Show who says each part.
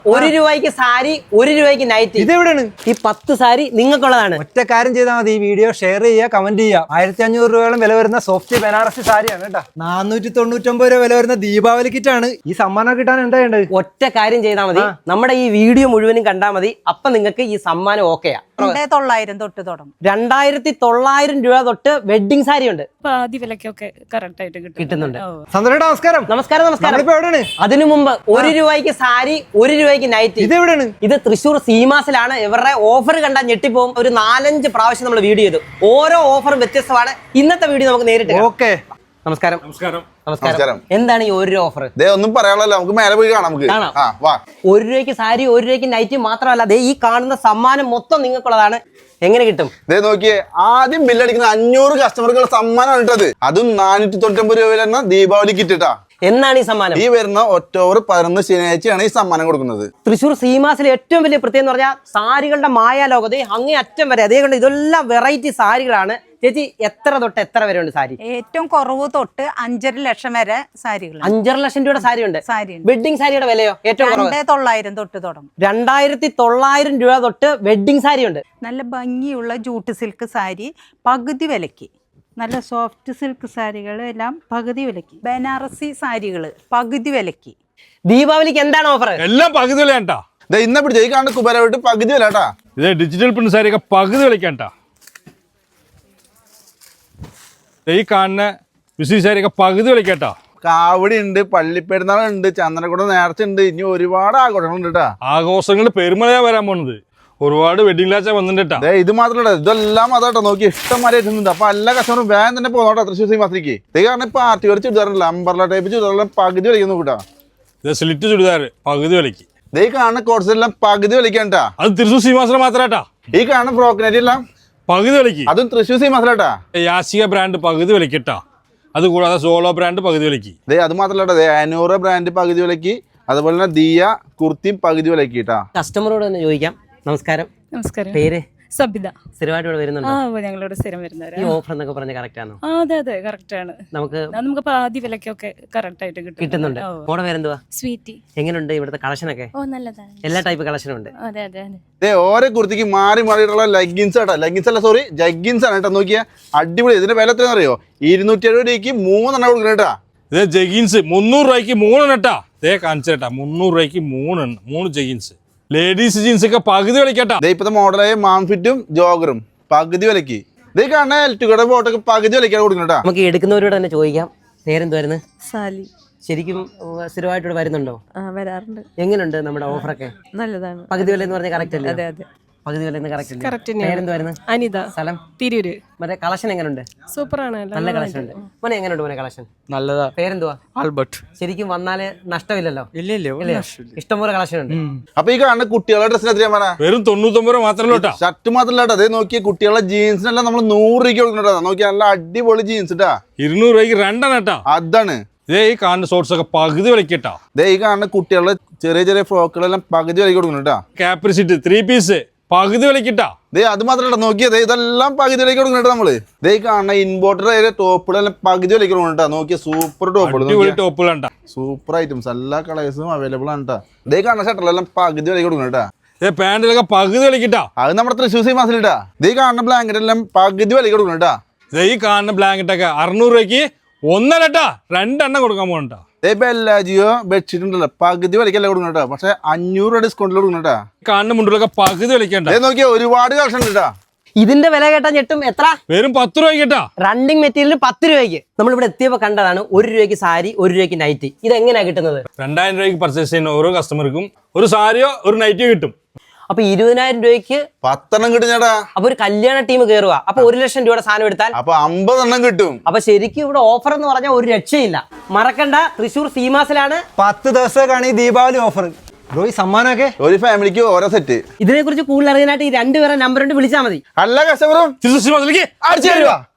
Speaker 1: ഒരു രൂപയ്ക്ക് സാരി, ഒരു രൂപയ്ക്ക് നൈറ്റ്.
Speaker 2: ഇതെവിടെയാണ്?
Speaker 1: ഈ 10 സാരി നിങ്ങൾക്കുള്ളതാണ്.
Speaker 2: ഒറ്റ കാര്യം ചെയ്താൽ മതി, ഈ വീഡിയോ ഷെയർ ചെയ്യുക, കമന്റ് ചെയ്യുക. 1500 രൂപയോളം വില വരുന്ന സോഫ്റ്റ് ബനാറസി സാരിയാണ് കേട്ടോ. 499 രൂപ വില വരുന്ന ദീപാവലി കിറ്റാണ്. ഈ സമ്മാനം കിട്ടാൻ എന്താ വേണ്ടത്?
Speaker 1: ഒറ്റ കാര്യം ചെയ്താൽ മതി, നമ്മുടെ ഈ വീഡിയോ മുഴുവനും കണ്ടാൽ മതി. അപ്പൊ നിങ്ങൾക്ക് ഈ സമ്മാനം ഓക്കെയാ.
Speaker 3: 2900 തൊട്ട് തുടങ്ങും.
Speaker 1: 2900 രൂപ തൊട്ട് വെഡിങ് സാരി ഉണ്ട്.
Speaker 4: പാതി വിലക്കൊക്കെ കറക്റ്റ് ആയിട്ട്
Speaker 1: കിട്ടുന്നുണ്ട്.
Speaker 2: സന്തോഷം, നമസ്കാരം.
Speaker 1: നമസ്കാരം.
Speaker 2: എവിടെയാണ്?
Speaker 1: അതിനു മുമ്പ് 1 രൂപയ്ക്ക് സാരി, 1 രൂപയ്ക്ക് നൈറ്റ്.
Speaker 2: ഇതെവിടെയാണ്?
Speaker 1: ഇത് തൃശ്ശൂർ സീമാസിലാണ്. ഇവരുടെ ഓഫർ കണ്ടാൽ ഞെട്ടിപ്പോകും. ഒരു 4-5 പ്രാവശ്യം നമ്മൾ വീഡിയോ ചെയ്തു. ഓരോ ഓഫറും വ്യത്യസ്തമാണ്. ഇന്നത്തെ വീഡിയോ നമുക്ക് നേരിട്ട്
Speaker 2: ഓക്കെ.
Speaker 1: നമസ്കാരം.
Speaker 5: നമസ്കാരം.
Speaker 1: എന്താണ് ഈ 1 രൂപ ഓഫർ?
Speaker 5: ഒന്നും പറയാനുള്ളല്ലോ, നമുക്ക് മേലെ പോയി കാണാം.
Speaker 1: 1 രൂപയ്ക്ക് സാരി, 1 രൂപയ്ക്ക് നൈറ്റ് മാത്രമല്ല, ഈ കാണുന്ന സമ്മാനം മൊത്തം നിങ്ങൾക്കുള്ളതാണ്. എങ്ങനെ കിട്ടും?
Speaker 5: നോക്കിയേ, ആദ്യം ബില്ലടിക്കുന്ന 500 കസ്റ്റമർക്കുള്ള സമ്മാനമാണ് ഇട്ടത്. അതും 499 രൂപ വരുന്ന ദീപാവലി കിറ്റിട്ടാ.
Speaker 1: എന്നാണ് ഈ സമ്മാനം?
Speaker 5: ഈ വരുന്ന ഒക്ടോബർ 11 ശനിയാഴ്ചയാണ് ഈ സമ്മാനം കൊടുക്കുന്നത്.
Speaker 1: തൃശ്ശൂർ സീമാസിലെ ഏറ്റവും വലിയ പ്രത്യേകത എന്ന് പറഞ്ഞാൽ സാരികളുടെ മായാലോകത അങ്ങേ അറ്റം വരെ. അതേകൊണ്ട് ഇതെല്ലാം വെറൈറ്റി സാരികളാണ്. ചേച്ചി, എത്ര തൊട്ട് എത്ര വരെ ഉണ്ട് സാരി?
Speaker 3: ഏറ്റവും കുറവ് തൊട്ട് 5.5 ലക്ഷം വരെ സാരികൾ.
Speaker 1: 5.5 ലക്ഷം രൂപയുടെ സാരി ഉണ്ട്. വെഡിങ് സാരിയുടെ വിലയോ? ഏറ്റവും
Speaker 3: 2900 തൊട്ട് തുടങ്ങും.
Speaker 1: 2900 രൂപ തൊട്ട് വെഡിങ് സാരി ഉണ്ട്.
Speaker 3: നല്ല ഭംഗിയുള്ള ജൂട്ട് സിൽക്ക് സാരി പകുതി വിലക്ക്. നല്ല സോഫ്റ്റ് സിൽക്ക് സാരികൾ എല്ലാം പകുതി വിലക്ക്. ബനാറസി സാരികൾ പകുതി വിലക്ക്.
Speaker 1: ദീപാവലിക്ക് എന്താണ് ഓഫർ?
Speaker 6: എല്ലാം പകുതി വിലയാണ്ടാ.
Speaker 5: ഇന്ന പിടിച്ച ഈ കാണുന്ന കുബേര വിട്ട് പകുതി വിലട്ടാ.
Speaker 6: ഇത് ഡിജിറ്റൽ പ്രിന്റ് സാരിയൊക്കെ പകുതി വിലക്കാണ്ടാ. ഈ കാണുന്ന വിസി സാരിയൊക്കെ പകുതി വിലക്കാട്ടാ.
Speaker 5: കാവടി ഉണ്ട്, പള്ളിപ്പെരുന്നാളുണ്ട്, ചന്ദനക്കുട നേർച്ച ഉണ്ട്, ഇനി ഒരുപാട് ആഘോഷങ്ങളുണ്ട് കേട്ടാ.
Speaker 6: ആഘോഷങ്ങൾ പെരുമഴയാ വരാൻ പോണത്. ഒരുപാട് വെഡിങ് ലാച്ച വന്നിട്ടാ.
Speaker 5: ഇത് മാത്രമല്ല, ഇതെല്ലാം അതാട്ടോ. നോക്കി ഇഷ്ടംമാരെ എത്തുന്നുണ്ട്. അപ്പൊ എല്ലാ കസ്റ്റമറും വേഗം തന്നെ പോകണോട്ടോ തൃശ്ശൂർ സീമാസിലേക്ക്. ഇത് കാരണം ഇപ്പൊ പാർട്ടി വരെ ചുരിദാറുണ്ടല്ലോ, അമ്പർല ടൈപ്പ് ചുരിദാറെല്ലാം പകുതി വിലയ്ക്കുന്നു കൂട്ടാ.
Speaker 6: ഇത് സ്ലിറ്റ് ചുരിദാർ പകുതി വിലക്ക്.
Speaker 5: ഈ കാണുന്ന കോഴ്സ് എല്ലാം പകുതി വിലക്കാണ്ടാ.
Speaker 6: അത് തൃശ്ശൂർ സീമാസിലെ മാത്രാട്ടാ.
Speaker 5: ഈ കാണുന്ന ഫ്രോക്കിനെറ്റ് എല്ലാം
Speaker 6: പകുതി വിലക്ക്.
Speaker 5: അതും തൃശ്ശൂർ സീമാസിലാട്ടാ.
Speaker 6: യാസിക ബ്രാൻഡ് പകുതി വിലക്കിട്ടാ. അത് കൂടാതെ സോളോ ബ്രാൻഡ് പകുതി വിലക്ക്.
Speaker 5: അത് മാത്രമല്ല, 500 ബ്രാൻഡ് പകുതി വിലക്ക്. അതുപോലെ തന്നെ ദിയ കുർത്തിയും പകുതി വിലക്ക് കേട്ടാ.
Speaker 1: കസ്റ്റമറോട് തന്നെ ചോദിക്കാം. നമസ്കാരം.
Speaker 4: നമസ്കാരം.
Speaker 1: പേര്?
Speaker 4: സബിത.
Speaker 1: സ്ഥിരമായിട്ട് ഇവിടെ വരുന്നുണ്ടോ?
Speaker 4: ഞങ്ങളിവിടെ സ്ഥിരം വരുന്നവരാ.
Speaker 1: ഈ ഓഫർ എന്നൊക്കെ പറഞ്ഞ കറക്റ്റ് ആണോ?
Speaker 4: അതെ കറക്റ്റ് ആണ്. നമുക്ക് പാതി വിലക്കൊക്കെ കറക്റ്റ് ആയിട്ട്
Speaker 1: കിട്ടുന്നുണ്ട്. മോടെ പേരെന്തുവാ?
Speaker 4: സ്വീറ്റി.
Speaker 1: എങ്ങനെയുണ്ട് ഇവിടുത്തെ കളക്ഷനൊക്കെ?
Speaker 4: നല്ലതാണ്.
Speaker 1: എല്ലാ ടൈപ്പ് കളക്ഷനും ഉണ്ട്.
Speaker 4: അതെ.
Speaker 5: ഓരോ കുർത്തിക്ക് മാറിയിട്ടുള്ള ലെഗിൻസ് ആട്ടാ. ലെഗിൻസ് അല്ല, സോറി, ജഗ്ഗിൻസ് ആണ് കേട്ടോ. നോക്കിയാ അടിപൊളി. ഇതിന്റെ വില എത്രയാണെന്ന് അറിയോ? 270 രൂപയ്ക്ക് 3 കൊടുക്കണം കേട്ടാ.
Speaker 6: ഇത് ജഗീൻസ് 300 രൂപയ്ക്ക് 3 ഇട്ടാ. കാണിച്ചേട്ടാ, 300 രൂപയ്ക്ക് 3 ജഗീൻസ്. ലേഡീസ് ജീൻസ് ഒക്കെ പകുതി വിലക്കാട്ടാ.
Speaker 5: ഇപ്പത്തെ മോഡലായ മാംഫിറ്റും ജോഗറും പകുതി വിലക്ക്. ഇത് കാണുന്ന എൽറ്റുകളുടെ ബോട്ടൊക്കെ പകുതി വിലക്കാണ് കൊടുക്കണട്ടാ.
Speaker 1: നമുക്ക് എടുക്കുന്നവരോട് തന്നെ ചോദിക്കാം. പേരെന്തുവായിരുന്നു?
Speaker 7: സാലി.
Speaker 1: ശരിക്കും സ്ഥിരമായിട്ട് ഇവിടെ വരുന്നുണ്ടോ?
Speaker 7: വരാറുണ്ട്.
Speaker 1: എങ്ങനെയുണ്ട് നമ്മുടെ ഓഫറൊക്കെ?
Speaker 7: നല്ലതാണ്.
Speaker 1: പകുതി വില എന്ന് പറഞ്ഞാൽ കറക്റ്റ് അല്ലേ?
Speaker 7: അതെ.
Speaker 1: പകുതി വില കറക്റ്റ്.
Speaker 4: പേരെന്തുവായിരുന്നു? അനിത.
Speaker 1: സ്ഥലം?
Speaker 4: തിരൂര്.
Speaker 1: മറ്റേ കളക്ഷൻ എങ്ങനെയുണ്ട്?
Speaker 4: സൂപ്പറാണ്.
Speaker 1: നല്ല കളക്ഷൻ ഉണ്ട്. മോനെ എങ്ങനെയുണ്ട് മോനെ കളക്ഷൻ?
Speaker 2: നല്ലതാ.
Speaker 1: പേരെന്തുവാ?
Speaker 2: ആൽബർട്ട്.
Speaker 1: ശരിക്കും വന്നാല് നഷ്ടമില്ലല്ലോ?
Speaker 2: ഇല്ല.
Speaker 1: ഇഷ്ടംപോലെ കളക്ഷൻ ഉണ്ട്.
Speaker 5: അപ്പൊ ഈ കാണുന്ന കുട്ടികളുടെ ഡ്രസ്സിന് എത്രയാ പറഞ്ഞ?
Speaker 6: വെറും 99 രൂപ മാത്രമല്ല.
Speaker 5: ഷർട്ട് മാത്രമല്ല കേട്ടോ. അതേ നോക്കിയ കുട്ടികളുടെ ജീൻസിനെല്ലാം നമ്മൾ 100 രൂപയ്ക്ക് കൊടുക്കണോ. നോക്കിയാ നല്ല അടിപൊളി ജീൻസ് ഇട്ടാ.
Speaker 6: 200 രൂപയ്ക്ക് 2 ഇട്ടാ.
Speaker 5: അതാണ്.
Speaker 6: ഈ കാണുന്ന ഷോർട്സ് ഒക്കെ പകുതി വിലക്കിട്ടാ.
Speaker 5: ഈ കാണുന്ന കുട്ടികളുടെ ചെറിയ ഫ്രോക്കുകളെല്ലാം പകുതി വിലക്ക് കൊടുക്കണം കേട്ടാ.
Speaker 6: കാപ്രിസിറ്റ് 3 പീസ് പകുതി വിലക്കിട്ടാ.
Speaker 5: അത് മാത്രമല്ല, നോക്കിയത് ഇതെല്ലാം പകുതി വിലക്ക് കൊടുക്കണം കേട്ടോ. നമ്മള് ഈ കാണുന്ന ഇമ്പോർട്ടഡ് ടോപ്പുകളെല്ലാം പകുതി വിലക്ക് കൊടുക്കണം കേട്ടോ. നോക്കിയ സൂപ്പർ
Speaker 6: ടോപ്പുകളുണ്ടാ.
Speaker 5: സൂപ്പർ ഐറ്റംസ്, എല്ലാ കളേഴ്സും അവൈലബിൾ ആണ് കേട്ടോ. ഈ കാണുന്ന ഷർട്ടിലെല്ലാം പകുതി വിലക്ക് കൊടുക്കണം കേട്ടോ.
Speaker 6: പാന്റിലൊക്കെ പകുതി വിലക്കിട്ടാ.
Speaker 5: അത് നമ്മുടെ തൃശ്ശൂർ സീമാസിലിട്ടാ. ഈ കാണുന്ന ബ്ലാങ്കറ്റ് എല്ലാം പകുതി വിലക്ക് കൊടുക്കണം കേട്ടോ.
Speaker 6: ഈ കാണുന്ന ബ്ലാങ്കറ്റ് ഒക്കെ 600 രൂപയ്ക്ക് 1 ഇട്ടാ. 2 കൊടുക്കാൻ പോകണ്ടാ.
Speaker 5: ഇപ്പൊ എല്ലാ ജിയോ ബെഡ്ഷീറ്റ് ഉണ്ടല്ലോ പകുതി വിലക്കല്ല കൊടുക്കണം കേട്ടോ. പക്ഷെ 500 രൂപ ഡിസ്കൗണ്ടിൽ കൊടുക്കണം കേട്ടോ.
Speaker 6: കാണുന്ന മുണ്ടിലൊക്കെ പകുതി വിലക്കണ്ട.
Speaker 5: നോക്കിയാ ഒരുപാട് കളക്ഷൻ ഉണ്ട് കേട്ടോ.
Speaker 1: ഇതിന്റെ വില കേട്ടാ ഞെട്ടും. എത്ര?
Speaker 6: വെറും 10 രൂപയ്ക്ക്.
Speaker 1: റണ്ണിങ് മെറ്റീരിയൽ 10 രൂപയ്ക്ക്. നമ്മളിവിടെ എത്തിയപ്പോ കണ്ടതാണ് 1 രൂപയ്ക്ക് സാരി, 1 രൂപയ്ക്ക് നൈറ്റ്. ഇത് എങ്ങനെയാ കിട്ടുന്നത്?
Speaker 6: 2000 രൂപയ്ക്ക് പർച്ചേസ് ചെയ്യുന്ന ഓരോ കസ്റ്റമർക്കും ഒരു സാരിയോ ഒരു നൈറ്റിയോ കിട്ടും.
Speaker 1: അപ്പൊ 20,000 രൂപയ്ക്ക്
Speaker 5: 10 കിട്ടും ചേട്ടാ.
Speaker 1: അപ്പൊ ഒരു കല്യാണ ടീം കയറുക. അപ്പൊ 1 ലക്ഷം രൂപയുടെ സാധനം എടുത്താൽ
Speaker 5: അപ്പൊ 50 കിട്ടും.
Speaker 1: അപ്പൊ ശരിക്കും ഇവിടെ ഓഫർ എന്ന് പറഞ്ഞാൽ ഒരു രക്ഷയില്ല. മറക്കണ്ട, തൃശ്ശൂർ സീമാസിലാണ്
Speaker 2: 10 ദിവസമൊക്കെയാണ് ഈ ദീപാവലി ഓഫർ. ഈ സമ്മാനമൊക്കെ
Speaker 5: ഒരു ഫാമിലിക്ക് ഓരോ സെറ്റ്.
Speaker 1: ഇതിനെ കുറിച്ച് കൂടുതൽ അറിയാനായിട്ട് ഈ 2 പേരെ നമ്പർ കൊണ്ട് വിളിച്ചാൽ മതി.
Speaker 5: എല്ലാ കസ്റ്റമറും
Speaker 6: തൃശ്ശൂർ
Speaker 5: അടിച്ചു തരുക.